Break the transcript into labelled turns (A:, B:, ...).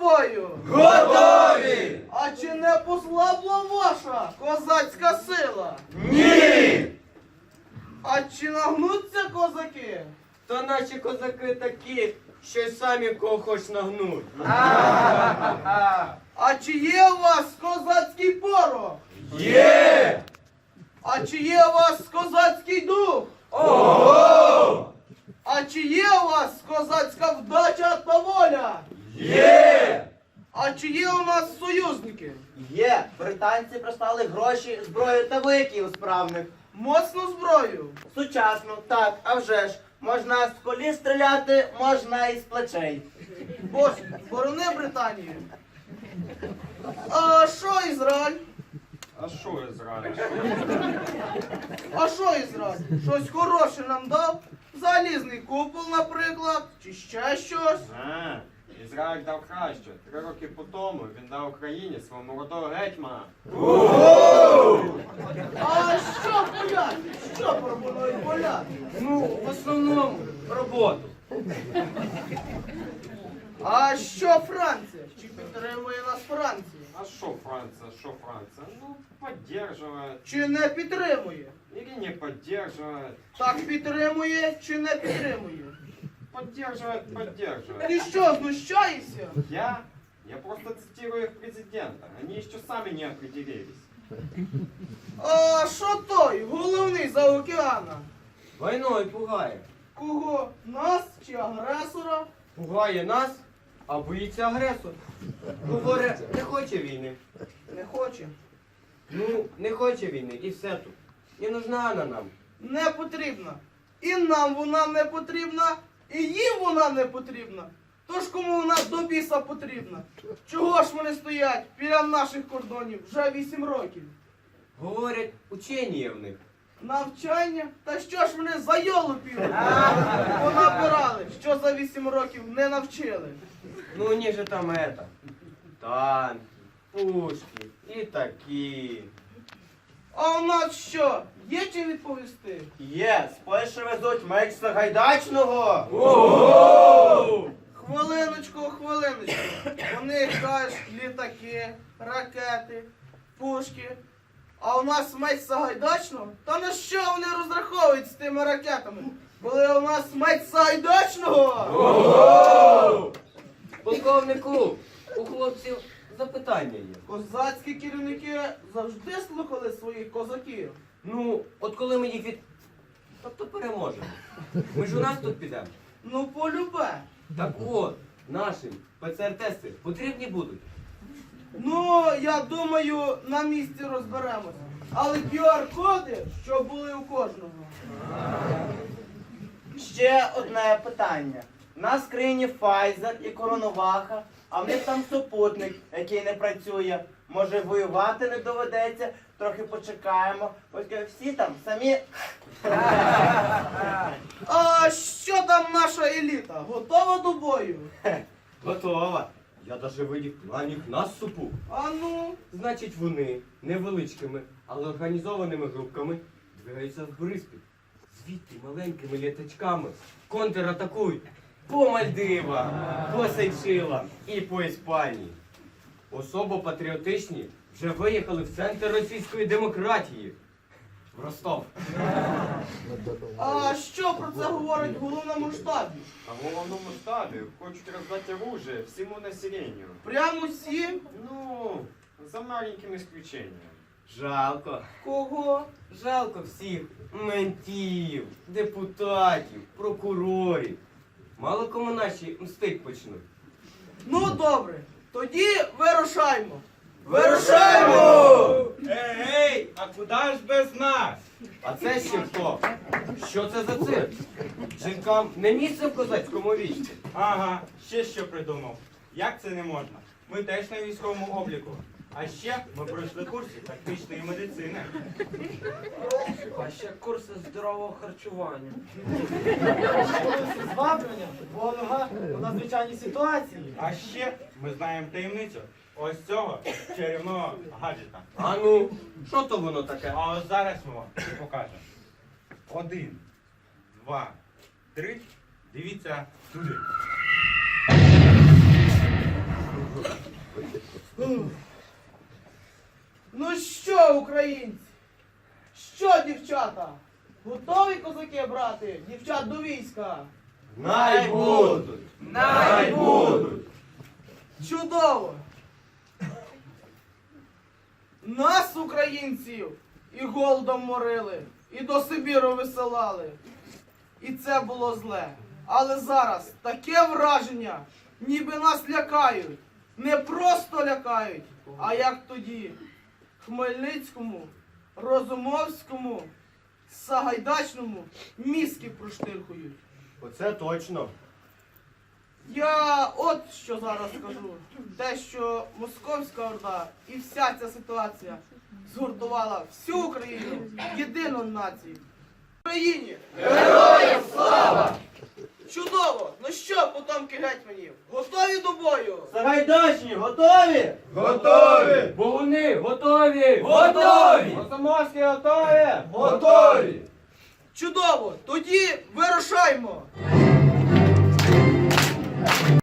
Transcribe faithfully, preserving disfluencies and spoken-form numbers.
A: бою?
B: Готові!
A: А чи не послабла ваша козацька сила?
B: Ні!
A: А чи нагнуться козаки?
B: То наші козаки такі, що й самі кого хоч нагнуть.
A: А чи є у вас козацький порох?
B: Є!
A: А чи є у вас козацький дух?
B: Ого!
A: А чи є у вас козацька вдача та воля?
B: Є!
A: А чи є у нас союзники?
C: Є, британці прислали гроші, зброю та виків справних.
A: Моцну зброю?
C: Сучасно, так, а вже ж. Можна з коліс стріляти, можна і з плечей.
A: Боже, борони Британію. А що Ізраїль?
D: А що Ізраїль?
A: А що Ізраїль? Щось хороше нам дав? Залізний купол, наприклад, чи ще щось?
D: А, Ізраїль дав краще. Три роки по тому він дав Україні свого молодого гетьмана.
A: А що поляки? Що пропонують поляки?
B: Ну, в основному роботу.
A: А що Франція? Чи підтримує нас Франція?
D: А що Франція, що Франція? Ну, поддерживает.
A: Чи не підтримує?
D: Или не поддерживает.
A: Так підтримує чи не підтримує?
D: Поддерживает, поддерживает.
A: Ти що, знущаєшся?
D: Я? Я просто цитирую их президента. Они еще сами не определились.
A: А що той, головний за океана?
B: Війною пугає.
A: Кого? Нас чи агресора?
B: Пугає нас, а боїться агресор. Говорить, не хоче війни.
A: Не хоче.
B: Ну, не хоче війни, і все тут. Не нужна вона нам.
A: Не потрібна. І нам вона не потрібна, і їм вона не потрібна. Тож кому вона до біса потрібна? Чого ж вони стоять біля наших кордонів вже вісім років?
B: Говорять, учені є в них.
A: Навчання? Та що ж вони за йолупів понабирали, що за вісім років не навчили?
B: Ну, у них же там это, танки, пушки і такі.
A: А у нас що? Є чим відповісти?
C: Є, з Польщі везуть меч Сагайдачного.
B: Ого!
A: Хвилиночку, хвилиночку. Вони кажуть літаки, ракети, пушки. А у нас меч Сагайдачного? Та на що вони розраховують з тими ракетами? Коли у нас меч Сагайдачного?
B: Ого! Полковнику, у хлопців запитання є.
A: Козацькі керівники завжди слухали своїх козаків.
B: Ну, от коли ми їх від... Тобто переможемо. Ми ж у нас тут підемо.
A: Ну, полюбе.
B: Так от, нашим ПЦР-тести потрібні будуть.
A: Ну, я думаю, на місці розберемося. Але кю ар-коди, що були у кожного.
C: Ще одне питання. У нас в країні Pfizer і Коронаваха, а в них там супутник, який не працює. Може воювати не доведеться, трохи почекаємо. Ось всі там самі.
A: А що там наша еліта? Готова до бою?
B: Готова. Я даже видів планів наступу.
A: А ну,
B: Значить, вони невеличкими, але організованими групками двигаються в Бориспіль. Звідти маленькими літачками контратакують по Мальдивам, по Сейшилам і по Іспанії. Особо патріотичні вже виїхали в центр російської демократії. В Ростов.
A: а що про це говорить в головному штабі?
D: А в головному штабі хочуть роздати оружие всему населению.
A: Прямо всі?
D: Ну, за маленьким исключением.
B: Жалко.
A: Кого?
B: Жалко всіх ментів, депутатів, прокурорів. Мало кому наші мстить почнуть.
A: Ну, добре. Тоді вирушаймо.
B: Вирушаймо!
E: Ей, ей, а куди ж без нас?
B: А це ще хто? Що це за цирк? Жінкам не місце в козацькому війську.
E: Ага, ще що придумав. Як це не можна? Ми теж на військовому обліку. А ще ми пройшли курси тактичної медицини.
F: А ще курси здорового харчування.
A: Зваблення, допомога у надзвичайній ситуації.
E: А ще ми знаємо таємницю ось цього чарівного гаджета.
B: А ну, що то воно таке?
E: А ось зараз ми вам і покажемо. Один, два, три. Дивіться туди.
A: Ну що, українці? Що, дівчата? Готові козаки брати дівчат до війська?
D: Най будуть! Най будуть!
A: Чудово! Нас, українців, і голодом морили, і до Сибіру висилали. І це було зле. Але зараз таке враження, ніби нас лякають. Не просто лякають, а як тоді. Хмельницькому, Розумовському, Сагайдачному мізки проштирхують.
D: Оце точно.
A: Я от що зараз скажу. Те, що Московська Орда і вся ця ситуація згуртувала всю Україну в єдину націю. Україні! Героям слава! Чудово! Ну що, потомки гетьманів, готові до бою?
C: Сагайдачні, готові?
D: Готові!
B: Богуни, готові!
D: Готові!
C: Комсомольські готові?
D: Готові!
A: Чудово! Тоді вирушаймо!